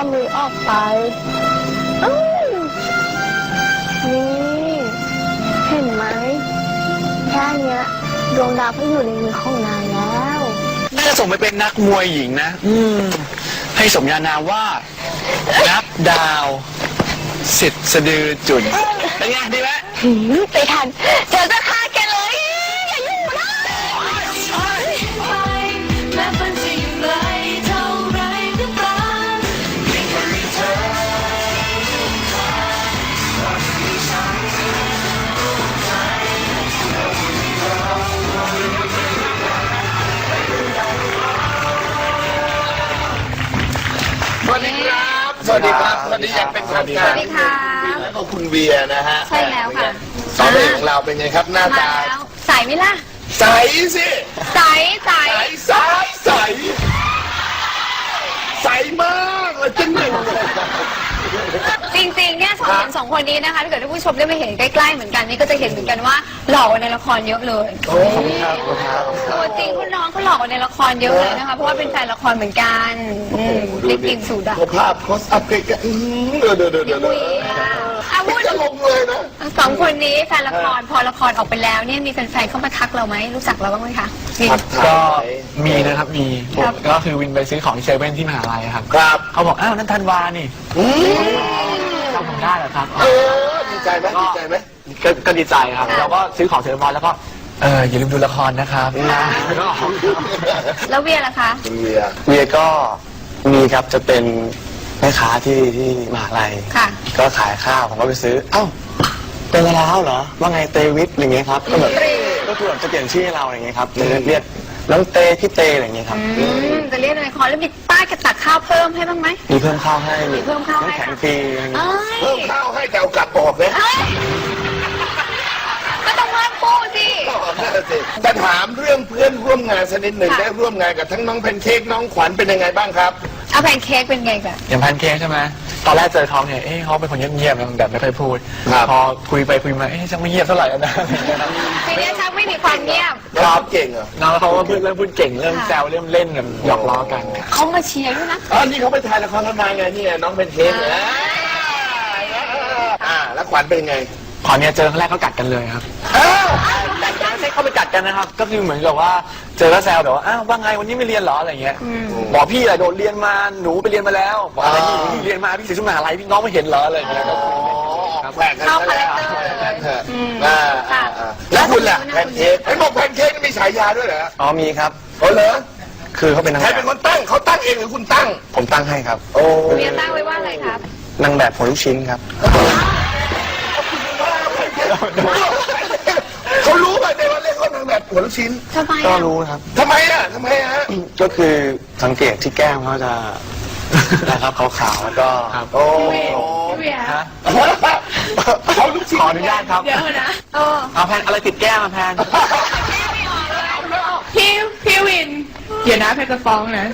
มือออกไปอื้อนี่เห็นไหมแค่เนี้ยดวงดาวก็อยู่ในมือของนายแล้วน่าจะส่งไปเป็นนักมวยหญิงนะให้สมญานามว่านับดาวสิทธิ์สะดือจุนเป็นไงดีไหมไปทันเจอจะฆ่าแกเลยอย่ายุ่งนะแม้ฝันจะอยู่ไกลเท่าไรก็ตามเพียงแค่มีเธอสวัสดีครับ สวัสดีครับ สวัสดีอย่างเป็นทางการสวัสดีค่ะแล้วก็คุณเวียนะฮะใช่แล้วค่ะสองเอกของเราเป็นไงครับหน้ามาตาแล้วใสไหมล่ะใสสิใสใสใสใสใสมากเลยจังเลยจริงๆเนี่ยสองคนนี้นะคะถ้าเกิดท่านผู้ชมได้มาเห็นใกล้ๆเหมือนกันนี่ก็จะเห็นเหมือนกันว่าหล่อกว่าในละครเยอะเลยโอ้ครับครับตัวจริงคุณน้องเขาหล่อกว่าในละครเยอะเลยนะคะเพราะว่าเป็นแฟนละครเหมือนกันได้กินสูตรอะภาพคอสอัพเกะเดี๋ยวอุ้ยอาวุธจะลงเลยนะสองคนนี้แฟนละครพอละครออกไปแล้วเนี่ยมีแฟนๆเข้ามาทักเราไหมรู้จักเราบ้างไหมคะมีก็มีนะครับมีผมก็คือวินไปซื้อของที่เซเว่นที่มหาลัยครับครับเขาบอกอ้าวนั่นธันวานี่จำผมได้เหรอครับดีใจไหมดีใจไหมก็ดีใจครับเราก็ซื้อของเสร็จเรียบร้อยแล้วก็อย่าลืมดูละครนะครับแล้วก็ออกครับแล้วเวียล่ะคะคุณเวียเวียก็มีครับจะเป็นแม่ค้าที่มหาลัยค่ะก็ขายข้าวผมก็ไปซื้อเอ้าเป็นอะไรแล้วเหรอว่าไงเตวิทอะไรเงี้ยครับก็แบบก็คือแบบจะเปลี่ยนชื่อให้เราอะไรเงี้ยครับจะเรียกน้องเตพี่เตอะไรเงี้ยครับจะเรียกในละครแล้วมีป้ายกระตักข้าวเพิ่มให้บ้างไหมมีเพิ่มข้าวให้มีเพิ่มข้าวให้น้ำแข็งฟรีอะไรเงี้ยเพิ่มข้าวให้แต่เอากลับออกเลยก็ต้องเพิ่มปูสิแต่ถามเรื่องเพื่อนร่วมงานสักนิดหนึ่งได้ร่วมงานกับทั้งน้องแพนเค้กน้องขวัญเป็นยังไงบ้างครับเอาแพนเค้กเป็นไงแบบอย่างแพนเค้กใช่ไหมตอนแรกเจอเขาเนี่ยเขาเป็นคนเงียบๆนะแบบไม่ค่อยพูดครับพอคุยไปคุยมาช่างไม่เงียบเท่าไหร่นะทีนี้ชักไม่มีความเงียบครับเก่งเหรอน้องเขาก็เริ่มพูดเก่งเริ่มแซวเริ่มเล่นแบบหยอกล้อกันเขามาเชียร์ด้วยนะอ๋อนี่เขาไปถ่ายละครกันมาไงนี่น้องแพนเค้กเนี่ยแล้วขวัญเป็นไงขอเนี่ยเจอครั้งแรกก็กัดกันเลยครับอ้าวไม่ใช่เข้าไปกัดกันนะครับ ก็คือเหมือนกับว่าเจอแล้วแซวแบบว่าอ้าวว่าไงวันนี้ไม่เรียนเหรออะไรเงี้ยบอกพี่อะโดนเรียนมาหนูไปเรียนมาแล้วบอกอะไรพี่เรียนมาพี่เสียชุดมหาลัยพี่น้องไม่เห็นเหรออะไรเงี้ยก็คุยแปลกกันเข้าซะคาแรแล้วคเตอร์เลยแล้วคุณล่ะแพนเค้กไอ้บอกแพนเค้กมีฉายาด้วยเหรออ๋อมีครับโอ้เหรอคือเขาเป็นนางใครแบเป็นบคนตั้งเขาตั้งเองหรือคุณตั้งผมตั้งให้ครับโอ้เมียตั้งไว้ว่าอะไรครับนางแบบหัวลูกชิ้นครับเขารู้ป่ะในวันเล่นเขานางแบบหัวลูกชิ้นทำไมก็อ่ะรู้ครับทำไมฮะก็คือสังเกตที่แก้มเขาจะ นะครับขาวๆแล้วก็โอ้เวียฮะเขาลูกชิ้นขออนุญาตครับเดี๋ยวนะเอาแพนอะไรติดแก้มมาแพนพี่วิน เดี๋ยวนะแพทจะฟ้องนะ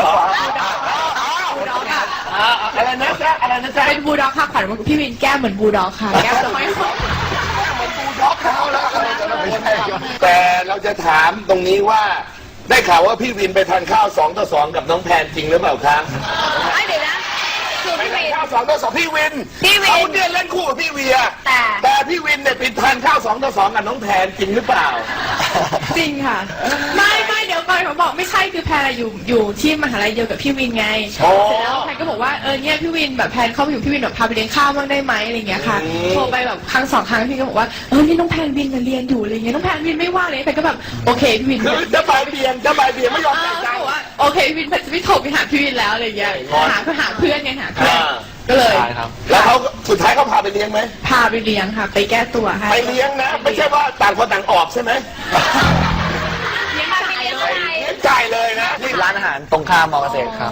อะไรนะจ๊ะอะไรนะจ๊ะเป็นบูลด็อกค่ะขวัญว่าพี่วินแก้มเหมือนบูลด็อกค่ะ แก้มจะไม่ค่อยด็อกเขาแล้วแต่เราจะถามตรงนี้ว่า ได้ข่าวว่าพี่วินไปทานข้าว2-2กับน้องแพนจริงหรือเปล่าครับเดี๋ยวนะคือพี่วินข้าว2-2พี่วินพี่วินเขาเนี่ยเล่นคู่กับพี่เวียแต่แต่พี่วินเนี่ยไปทานข้าว2-2กับน้องแพนจริงหรือเปล่าจริงค่ะ ไม่เดี๋ยวก่อนเขาบอกไม่ใช่คือแพนอะอยู่ที่มหาลัยเดียวกับพี่วินไงอ๋อเสร็จแล้วแพนก็บอกว่าเนี่ยพี่วินแบบแพนเข้าไปอยู่พี่วินแบบพาไปเลี้ยงข้าวบ้างได้ไหมอะไรอย่างเงี้ยค่ะโทรไปแบบครั้ง2 ครั้งพี่ก็บอกว่านี่น้องแพนวินเรียนอยู่อะไรเงี้ยน้องแพนวินไม่ว่างเลยแพนก็แบบโอเคพี่วินคือจะบายเบียงไม่ยอมจ่ายตังค์บอกว่าโอเคพี่วินแพนจะไม่โทรไปหาพี่วินแล้วอะไรเงี้ยหาเพื่อนไงหาเพื่อนก็เลยใช่ครับแล้วเขาสุดท้ายเขาพาไปเลี้ยงไหมพาไปเลี้ยงค่ะ ไปแก้ตัวให้ไปเลี้ยงนะ ไม่ใช่ว่าต่างคนต่างออกใช่ไหมเลี้ยงอะไรเลี้ยงอะไรเลี้ยงจ่ายเลยนะนี่ร้านอาหารตรงข้ามมอเกษตรครับ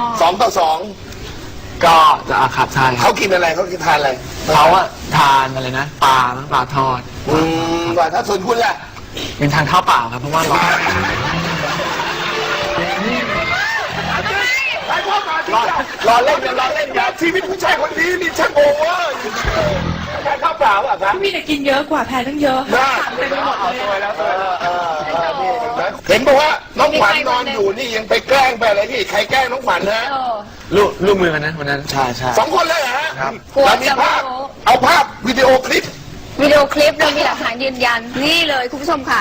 2-2 ก็จะครับใช่ครัเขาบกินอะไรเขากินทานอะไรเขาอะทานอะไรนะปลาทอดว่าถ้าส่วนคุณล่ะเป็นทานข้าวเปล่าครับเพราะว่าร้อนไอ้พ่อมาที่รอเล่นกันชีวิตผู้ชายคนนี้นี่ช่างโอเวอร์แค่ข้าวเปล่าอ่ะครับพี่วินกินเยอะกว่าแพนตั้งเยอะน่าเต็มไปหมดเลยอะเห็นบอกว่าน้องขวัญนอนอยู่นี่ยังไปแกล้งไปอะไรที่ใครแกล้งน้องขวัญนะรูปมือกันนะวันนั้นใช่ใช่ 2 คนเลยเหรอฮะครับเรามีภาพ เอาภาพวิดีโอคลิปวิดีโอคลิปเรามีหลักฐานยืนยันนี่เลยคุณผู้ชมค่ะ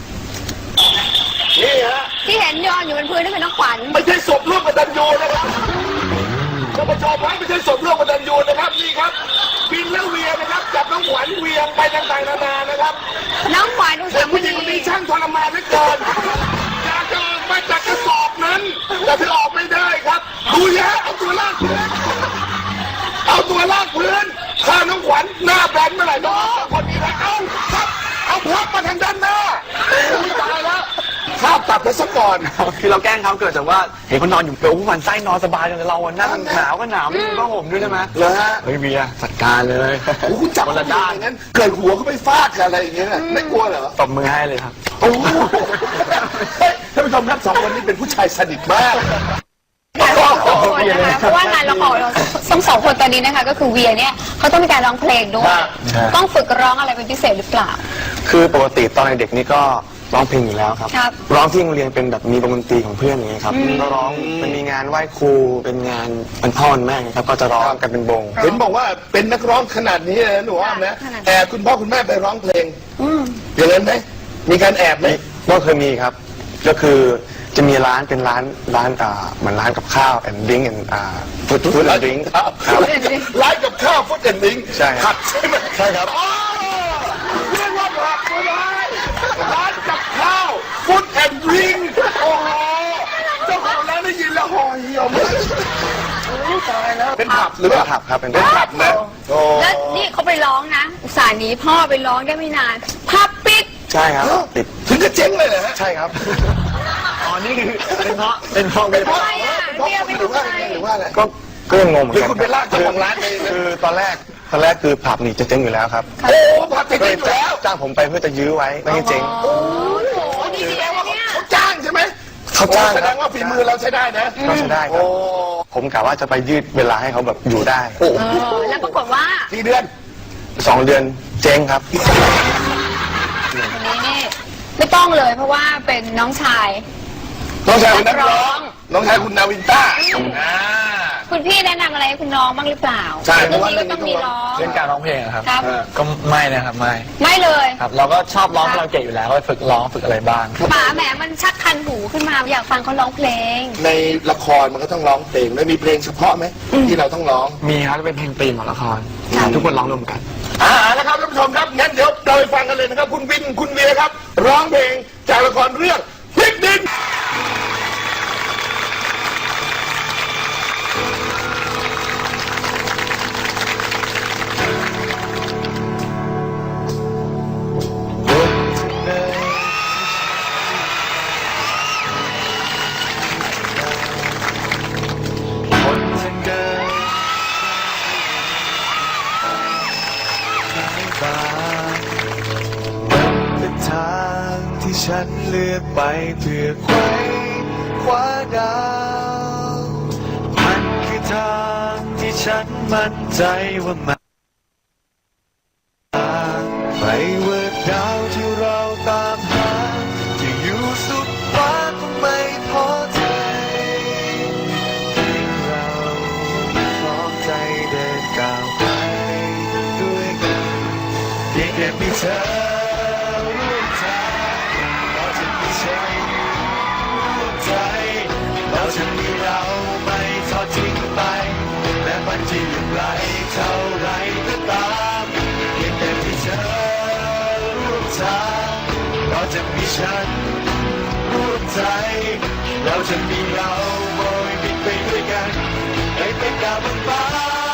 นี่ฮะที่เห็นนอนอยู่บนพื้นนี่คือน้องขวัญไม่ใช่ศพร่วมกตัญญูนะครับท่านผู้ชมครับไม่ใช่ศพร่วมกตัญญูนะครับนี่ครับบินและเวียนะครับจับน้องขวัญเวียงไปต่างๆนานานะครับน้องขวัญอุตแต่สามผู้หญิงณีคนนี้ช่างทรมานเหลือเกินอยากจะออกมาจากกระสอบนั้นแต่เธอออกไม่ได้ครับดูยะเอาตัวลากพื้นเอาตัวลากพื้นถ้าน้องขวัญหน้าแบนเมื่อไหร่น้องคนนี้นะเอาครับเอาพับมาทางด้านหน้าอุ๊ยตายแล้วภาพตัดไปซะก่อนคือเราแกล้งเขาเกิดจากว่าเห็นคนนอนอยู่เปลวผู้พันไส้นอนสบายเลยเราอะนั่งหนาวก็หนาวไม่มีผ้าห่มด้วยใช่ไหมเหรอฮะเฮ้ยเบียร์จัดการเลยโอ้คุณจับคนละด้านอย่างนั้นเกิดหัวเขาไปฟาดกับอะไรอย่างเงี้ยน่ะไม่กลัวเหรอตบมือให้เลยครับโอ้โหเฮ้ยท่านผู้ชมครับ2 คนนี้เป็นผู้ชายสนิทมากการร้องสองคนนะคะเพราะว่างานละครเราทั้ง2 คนตอนนี้นะคะก็คือเวียเนี่ยเขาต้องมีการร้องเพลงด้วยใช่ต้องฝึกร้องอะไรเป็นพิเศษหรือเปล่าคือปกติตอนเด็กๆนี่ก็ร้องเพลงอยู่แล้วครับครับร้องที่โรงเรียนเป็นแบบมีวงดนตรีของเพื่อนอย่างเงี้ยครับก็ร้องมันมีงานไหว้ครูเป็นงานเป็นพ่อวันแม่อย่างเงี้ยครับก็จะร้องกันเป็นวงเห็นบอกว่าเป็นนักร้องขนาดนี้เลยนะหนูอ้อมนะขนาดนั้นแอบคุณพ่อคุณแม่ไปร้องเพลงอย่างนั้นไหมมีการแอบไหมก็เคยมีครับ ก็คือจะมีร้านเป็นร้านเหมือนร้านกับข้าวแอนดิ้งแอนฟู้ดแอนดิ้งครับร้านกับข้าวฟุตแอนด์ดิ้งใช่ครับผัดใช่ไหมใช่ครับอ๋อเรียกว่าผัดก็ได้ร้านกับข้าวฟุตแอนด์ดิ้งโอ้โหเจ้าของร้านได้ยินแล้วห่อเหี่ยวมากโอ้ยตายแล้วเป็นผับหรือเปล่าผับครับเป็นเป็นผับนะโอ้แล้วนี่เขาไปร้องนะ อุตส่าห์หนีพ่อไปร้องได้ไม่นานภาพปิดใช่ครับติดถึงจะเจ๊งเลยเหรอฮะใช่ครับอ๋อ นี่คือเป็นเพราะเวเป็นเพลาราะทำไมอ่ะเพราะเรียกไม่หรือว่าถูกใจหรือว่าอะไรก็ยังงงเหมือนหรือกันคุณไปลากเจ้าของร้านเองนะคือตอนแรกคือผับนี่จะเจ๊งอยู่แล้วครับโอ้ผัดจะก็เลเจ๊ยงอยู่แล้วจ้างผมไปเพื่อจะยื้อไว้ไม่ให้เจ๊งโอ้โหดีๆนะเนี่ยเขาจ้างใช่ไหมเขาจ้างแสดงว่าฝีมือเราใช้ได้นะก็ใช้ได้คโอ้รับผมกะว่าจะไปยืดเวลาให้เขาแบบอยู่ได้โอ้แล้วปรากฏว่ากี่เดือน 2 เดือนเจ๊งครับคนนี้นี่ไม่ต้องเลยเพราะว่าเป็นน้องชายน้องชายคุณนักร้อง น้องชายคุณนาวินต้าอ่าคุณพี่แนะนำอะไรให้คุณน้องบ้างหรือเปล่าใช่เรื่องนี้ก็ต้องมีร้องเรื่องการร้องเพลงอะครับครับก็ไม่นะครับไม่ไม่เลยครับ เราก็ชอบร้องคาราโอเกะอยู่แล้วก็ฝึกร้องฝึกอะไรบ้างป๋าแหมมันชักคันหูขึ้นมาอยากฟังเขาร้องเพลงในละครมันก็ต้องร้องเพลงแล้วมีเพลงเฉพาะไหมที่เราต้องร้องมีครับเป็นเพลงธีมของละครทุกคนร้องรวมกันแล้วครับท่านผู้ชมครับงั้นเดี๋ยวเราไปฟังกันเลยนะครับ คุณวินคุณเวียครับ ร้องเพลงจากละครเรื่องพลิกดินคนจะเกิดสายตามันเป็นทางที่ฉันเลือกไปเพื่อไขว้คว้าดาวมันคือทางที่ฉันมั่นใจว่ามันไปว่าดาวที่เราตามหาจะอยู่สุดฟ้าคงไม่ท้อใจเราพร้อมใจเดินก้าวไปด้วยกันเพียงแค่มีเธอร่วมทางเราจะมีฉันร่วมใจเราจะมีเราไม่ทอดทิ้งไปแม้มันจะอยู่ไกลเท่าไรก็ตามเพียงแต่มีเธอร่วมทางเราจะมีฉันร่วมใจเราจะมีเราโบยบินไปด้วยกันไปเป็นดาวบนฟ้า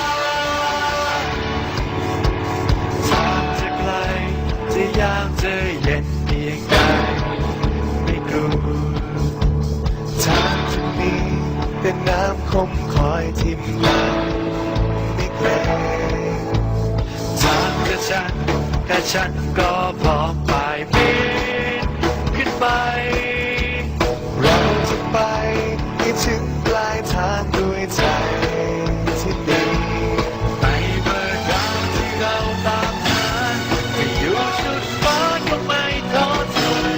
ทางจะไกลจะยากจะเย็นเพียงใดไม่กลัวทางจะมีเป็นน้ำคมคอยทิ่มหลังไม่เกรงทางกับฉันแค่ฉันก็พร้อมไปบินขึ้นไปเราจะไปให้ถึงปลายทางด้วยใจที่ดีไปเมื่อดาวที่เราตามหาจะอยู่สุดฟ้าก็ไม่ท้อถอย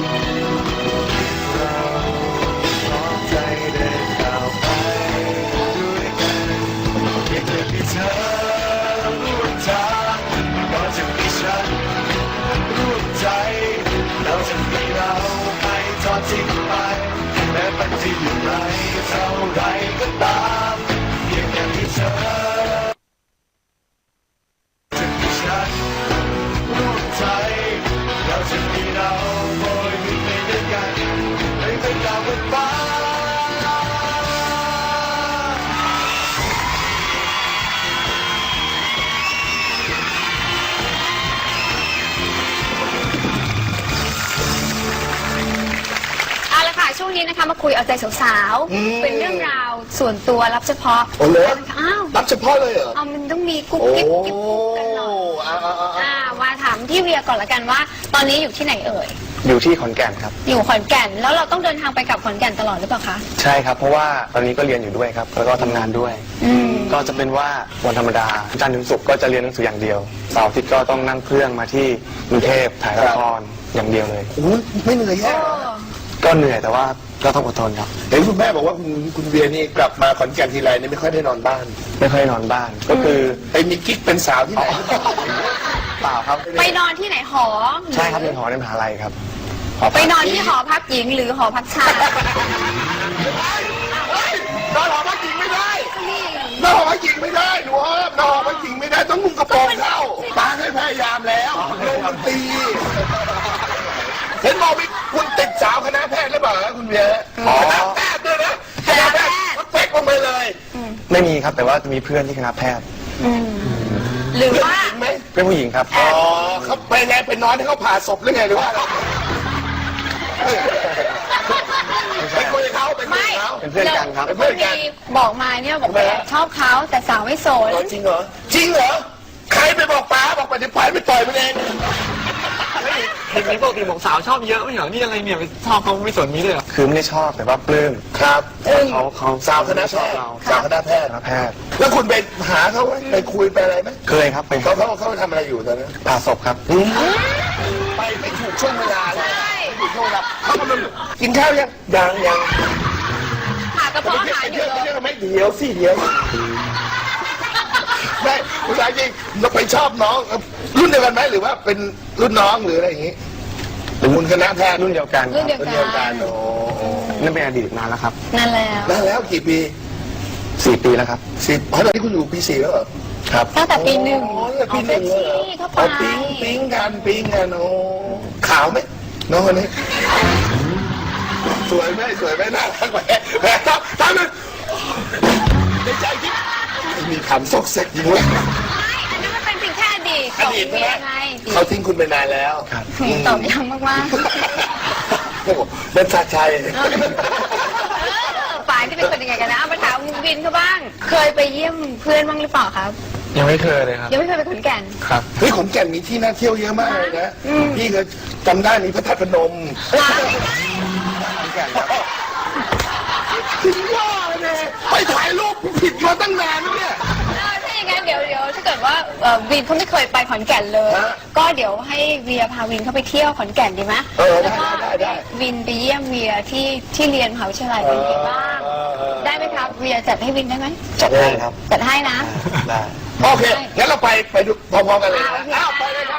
เราพร้อมใจเดินก้าวไปนี้นะคะมาคุยเอาใจสาวๆเป็นเรื่องราวส่วนตัวรับเฉพาะโอ้โหอ้าวรับเฉพาะเลยเหรอเอามันต้องมีกุ๊กโอ้กิ๊บกิ๊บกุ๊กกันหน่อยมาถามพี่เวียก่อนละกันว่า ตอนนี้อยู่ที่ไหนเอ่ยอยู่ที่ขอนแก่นครับอยู่ขอนแก่นแล้วเราต้องเดินทางไปกลับขอนแก่นตลอดหรือเปล่าคะใช่ครับเพราะว่าตอนนี้ก็เรียนอยู่ด้วยครับแล้วก็ทำงานด้วย ก็จะเป็นว่าวันธรรมดาจันทร์ถึงศุกร์ก็จะเรียนหนังสืออย่างเดียวเสาร์อาทิตย์ก็ต้องนั่งเครื่องมาที่กรุงเทพถ่ายละครอย่างเดียวเลยโอ้ยไม่เหนื่อยแย่ก็เหนื่อยแต่ว่าก็ต้องอดทนครับเห็นคุณแม่บอกว่าคุณเบียร์นี่กลับมาขอนแก่นทีไรเนี่ยไม่ค่อยได้นอนบ้านไม่ค่อยนอนบ้าน ก็คือไปมีกิ๊กเป็นสาวที่ไหนเปล่าครับไปนอนที่ไหนหอใช่ครับเป็นหอในมหาลัยครับไปนอนที่หอพักหญิงหรือหอพักชายนอนหอพักหญิงไม่ได้นอนหอพักหญิงไม่ได้หนูนอนหอพักหญิงไม่ได้ต้องนุ่งกระโปรงเข้าป้าให้พยายามแล้วโดนมันตีเห็นบอกมีคุณติดสาวคณะแพทย์หรือเปล่าคุณเบียร์คณะแพทย์ด้วยนะคณะแพทย์เป๊กลงไปเลยไม่มีครับแต่ว่าจะมีเพื่อนที่คณะแพทย์หรือว่าเห็นไหมเป็นผู้หญิงครับอ๋อเขาไปไงไปนอนให้เขาผ่าศพหรือไงหรือว่าอะไรไปคุยกับเขาไปคุยกับเขาเป็นเพื่อนกันครับเป็นเพื่อนกันมีบอกมาเนี่ยบอกว่าชอบเขาแต่สาวไม่โสดจริงเหรอจริงเหรอใครไปบอกป้าบอกไปเดี๋ยวป้าไปต่อยมันเองเห็นนี้ปกติบอกสาวชอบเยอะไม่เหรอนี่อะไรเนี่ยไปชอบเขาไม่สนมีเลยเหรอคือไม่ได้ชอบแต่ว่าปลื้มครับเขาสาวคณะแพชอบทย์เราสาวคณะแพทย์คณะแพทย์แล้วคุณไปหาเขาไหมไปคุยไปอะไรไหมเคยครับไปเขาทำอะไรอยู่ตอนนั้นผ่าศพครับไปไม่ถูกช่วงเวลาเลยไม่ถูกช่วงเวลาเขากำลังกินข้าวยังหากระเพาะอาหารอยู่เลยไม่เดี๋ยวสิเดี๋ยวไม่ผู้ชายจริงเราไปชอบน้องรุ่นเดียวกันไหมหรือว่าเป็นรุ่นน้องหรืออะไรอย่างงี้คุณคณะแพทย์รุ่นเดียวกันรุ่นเดียวรุ่นกัเดียวกันนโอ้นั่นเป็นอดีตนานแล้วครับนั่นแล้วแล้วกี่ปี 4 ปีแล้วครับ 10ตอนนี้คุณอยู่ปี4แล้วเหรอครับตั้งแต่ปีหนึ่งอ๋อตั้งแต่ปีหนึ่งเลยเหรอเข้าไปเอาปิ๊งกันโอ้ขาวไหมน้องคนนี้สวยไหมน่ารักไหมแหมทำเลยในใจคิดมีคำซกเซ็กอยู่ด้วยไม่อันนั้นมันเป็นเพียงแค่อดีตอดีตใช่ไหมไงเขาทิ้งคุณไปนานแล้วตอบยังมากโอ้โหเป็นชาชัยฝ่ายที่เป็นคนยังไงกันนะเอามาถามวินเขาบ้าง เคยไปเยี่ยมเพื่อนบ้างหรือเปล่าครับยังไม่เคยเลยครับยังไม่เคยไปขอนแก่นครับเฮ้ยขอนแก่นมีที่น่าเที่ยวเยอะมากเลยนะ พี่ก็จำได้มีพระธาตุพนมถึงว่าเลยไปถ่ายรูปผิดมาตั้งนานแล้วเนี่ยถ้าอย่างนั้นเดี๋ยวถ้าเกิดว่าวินเขาไม่เคยไปขอนแก่นเลยฮะก็เดี๋ยวให้เวียพาวินเข้าไปเที่ยวขอนแก่นดีไหม แล้วก็ได้วินไปเยี่ยมเวียที่เรียนมหาวิทยาลัยเป็นไงบ้าง ได้ไหมครับ เวียจัดให้วินได้ไหมจัดให้ครับจัดให้นะได้โอเคงั้นเราไปดูพร้อมๆกันเลยนะโอเคอ้าวไปเลยครับ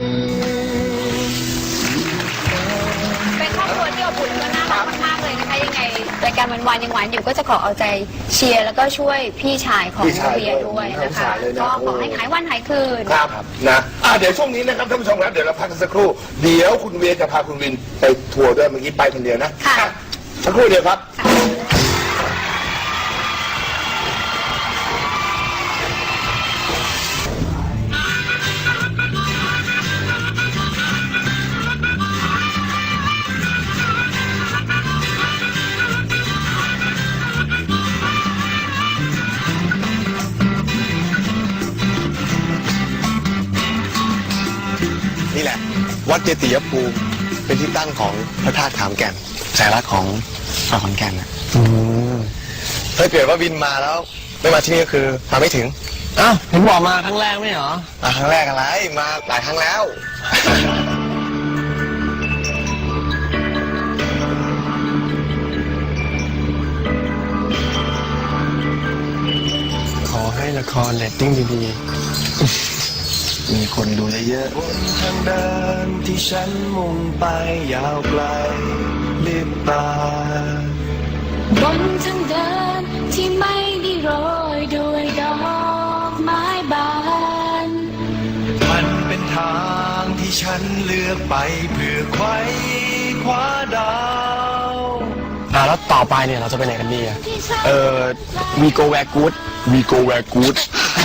เป็นครอบครัวที่อบอุ่นและน่ารักมากๆเลยนะคะยังไงรายการวันยังหวานอยู่ก็จะขอเอาใจเชียร์แล้วก็ช่วยพี่ชายของเวียด้วยนะคะก็ขอให้หายวันหายคืนครับนะเดี๋ยวช่วงนี้นะครับท่านผู้ชมครับเดี๋ยวเราพักกันสักครู่เดี๋ยวคุณเวียจะพาคุณวินไปทัวร์ด้วยเมื่อกี้ไปคนเดียวนะค่ะอ่สักครู่เดียวครับนี่แหละ วัดเจติยภูมิเป็นที่ตั้งของพระธาตุขามแก่นสัญลักษณ์ของชาวขอนแก่นนะถ้าเกิดว่าบินมาแล้วไม่มาที่นี่ก็คือมาไม่ถึงอ้าวเห็นบอกมาครั้งแรกไม่เหรอมาครั้งแรกอะไรมาหลายครั้งแล้วขอให้ละครเรตติ้งดีมีคนดูเยอะบนทางเดินที่ฉันมุ่งไปยาวไกลลิบตาบนทางเดินที่ไม่ได้โรยด้วยดอกไม้บานมันเป็นทางที่ฉันเลือกไปเพื่อไขว้คว้าดาวๆแล้วต่อไปเนี่ยเราจะไปไหนกันดีอะที่ฉัน we go where good we go where good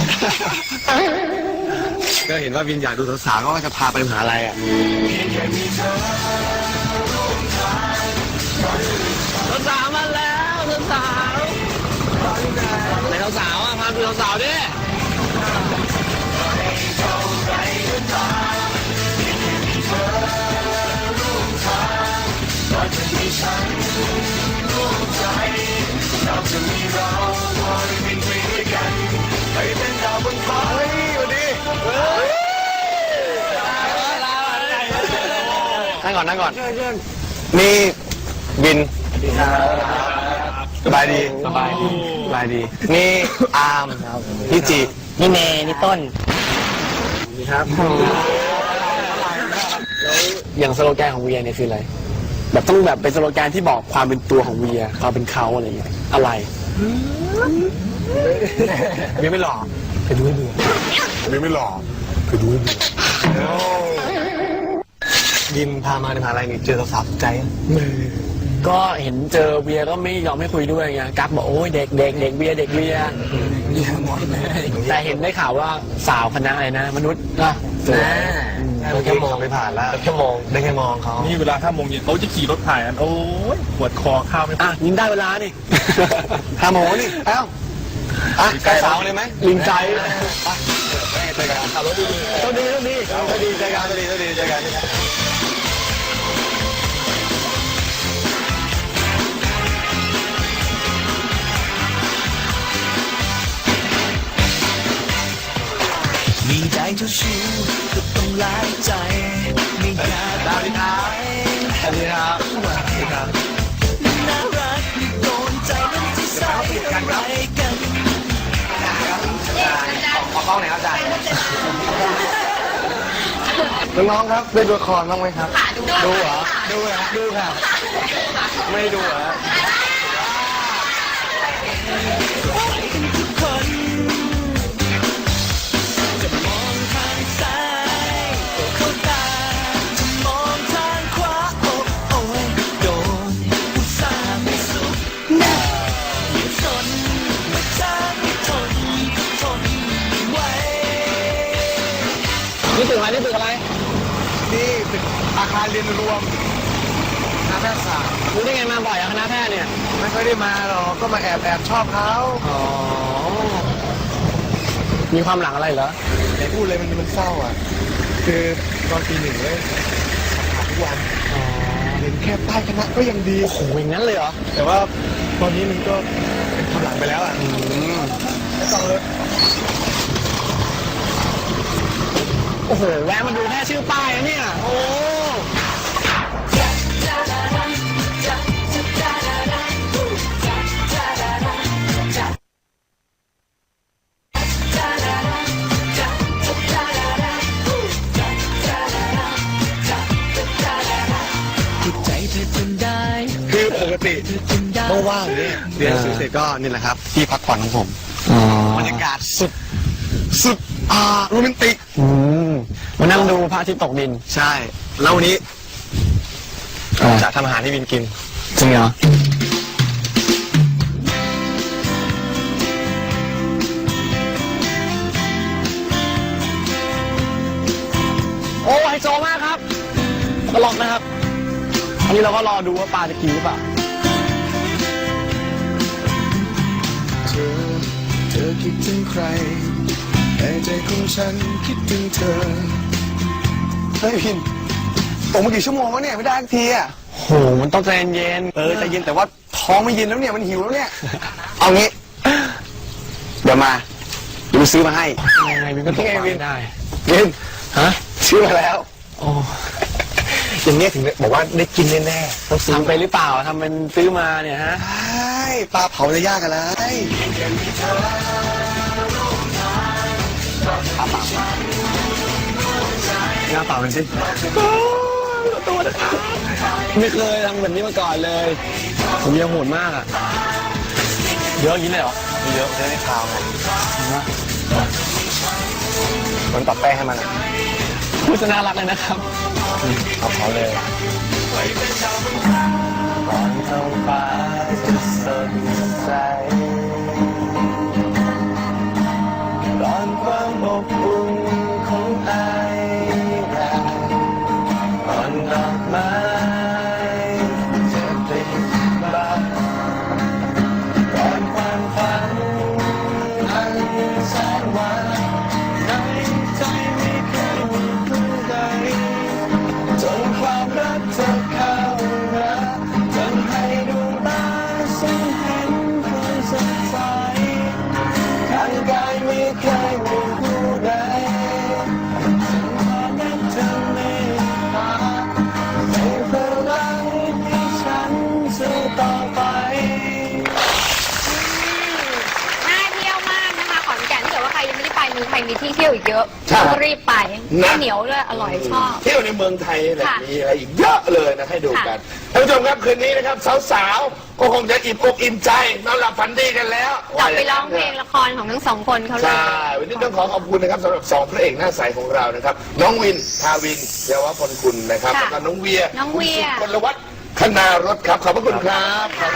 ก็เห็นว่าวินอยากดูสาวๆก็จะพาไปมหาลัยอ่ะเพียงแค่มีเธอร่วมทางสาวมาแล้วสาวไหนสาวอ่ะพาดูสาวดินั่งก่อนนี่บินสบายดีนี่อาร์มพี่จินี่เมย์นี่ต้นครับอย่างสโลแกนของเวียเนี่ยคืออะไรแบบต้องแบบเป็นสโลแกนที่บอกความเป็นตัวของเวียความเป็นเขาอะไรอย่างเงี้ยอะไรเวียไม่หล่อไปดูให้เบื่อไม่หล่อไปดูให้ดูดิมพามาในมหาลัยนี่เจอสาวๆใจก็เห็นเจอเวียก็ไม่ยอมให้คุยด้วยไงกั๊กบอกโอ้ยเด็กเวียแต่เห็นได้ข่าวว่าสาวคณะอะไรนะมนุษย์ก็เจอแค่มองไม่ผ่านแล้วแค่มองได้แค่มองเขานี่เวลา5 โมงเย็นเขาจะขี่รถผ่านกันโอ้ยปวดคอข้าวไม่อ่ะยิงได้เวลานี่5 โมงนี่เอ้าใกล้สาวเลยไหมลิงใจเจอกันขับรถดีเจอกันมีใจเจ้าชู้ก็ต้องหลายใจไม่อยากสวัสดีครับสวัสดีครับน่ารักที่โดนใจนั้นที่ใส่อะไรกันขอกล้องหน่อยครับอาจารย์น้องๆครับได้ดูละครบ้างไหมครับดูเหรอดูค่ะไม่ดูเหรอทุกคนจะมองทางซ้ายก็เข้าตาจะมองทางขวาโอ้ยโดนอุตส่าห์ไม่สุดนะยิ่งสนมาจ้างไม่ทนไม่ไหวนี่ตึกอะไรนี่ตึกอาคารเรียนรวมคณะแพทยศาสตร์รู้ได้ไงมาบ่อยอะคณะแพทย์เนี่ยไม่ค่อยได้มาหรอกก็มาแอบชอบเขาอ๋อมีความหลังอะไรเหรอไหนพูดเลยมันเศร้าอ่ะคือตอนปี 1เลยผ่านทุกวันเห็นแค่ป้ายคณะก็ยังดีโอ้โหอย่างนั้นเลยเหรอแต่ว่าตอนนี้มันก็เป็นความหลังไปแล้วอ่ะไม่ต้องเลยโอ้โหแวะมาดูแค่ชื่อป้ายนะเนี่ยโอ้ใจเธอจนได้คือปกติเธอจนได้เมื่อว่างเนี่ยเรียนเสร็จก็นี่แหละครับที่พักผ่อนของผมบรรยากาศสุดโรแมนติกมานั่งดูพระอาทิตย์ตกดินใช่แล้ววันนี้จะทำอาหารให้วินกินจริงเหรอโอ้ไฮโซมากครับตลกนะครับอันนี้เราก็รอดูว่าปลาจะกินหรือเปล่าเธอคิดถึงใครแต่ใจของฉันคิดถึงเธอเฮ้ยพินตกมากี่ชั่วโมงแล้วเนี่ยไม่ได้สักทีอ่ะโหมันต้องใจเย็นใจเย็นแต่ว่าท้องไม่เย็นแล้วเนี่ยมันหิวแล้วเนี่ยเอางี้เดี๋ยวมาซื้อมาให้ยังไงวินก็ต้องได้วินฮะซื้อมาแล้วโอ้อย่างนี้ถึงบอกว่าได้กินแน่ๆต้องซื้อไปหรือเปล่าทำเป็นซื้อมาเนี่ยฮะใช่ปลาเผาจะยากอะไรหน้าเปล่าเป็นสิตัวไม่เคยทำแบบนี้มาก่อนเลยผมยังโหดมากอ่ะเยอะอย่างนี้เลยเหรอเยอะได้ข่าวมันตัดแป้งให้มันพูดจะน่ารักเลยนะครับเอาเขาเลยตอนท้องฟ้าจะสดใสตอนความอบอุ่นของไอรักตอนดอกไม้จะเป็นบานเมืองไทยมีที่เที่ยวอีกเยอะใช่ต้องรีบไปนะเหนียวด้วยอร่อยชอบเที่ยวในเมืองไทยแหละค่ะมีอะไรอีกเยอะเลยนะให้ดูกันท่านผู้ชมครับคืนนี้นะครับสาวๆก็คงจะอิ่มอกอิ่มใจนอนหลับฝันดีกันแล้วกลับไปร้องเพลงละครของทั้งสองคนเขาเลยใช่วันนี้ต้องขอบคุณนะครับสำหรับสองพระเอกหน้าใสของเรานะครับน้องวินทาวินเยาวพลคุณนะครับค่ะแล้วก็น้องเวียน้องเวียคุณสุพลวัฒน์คณารถครับขอบพระคุณครับ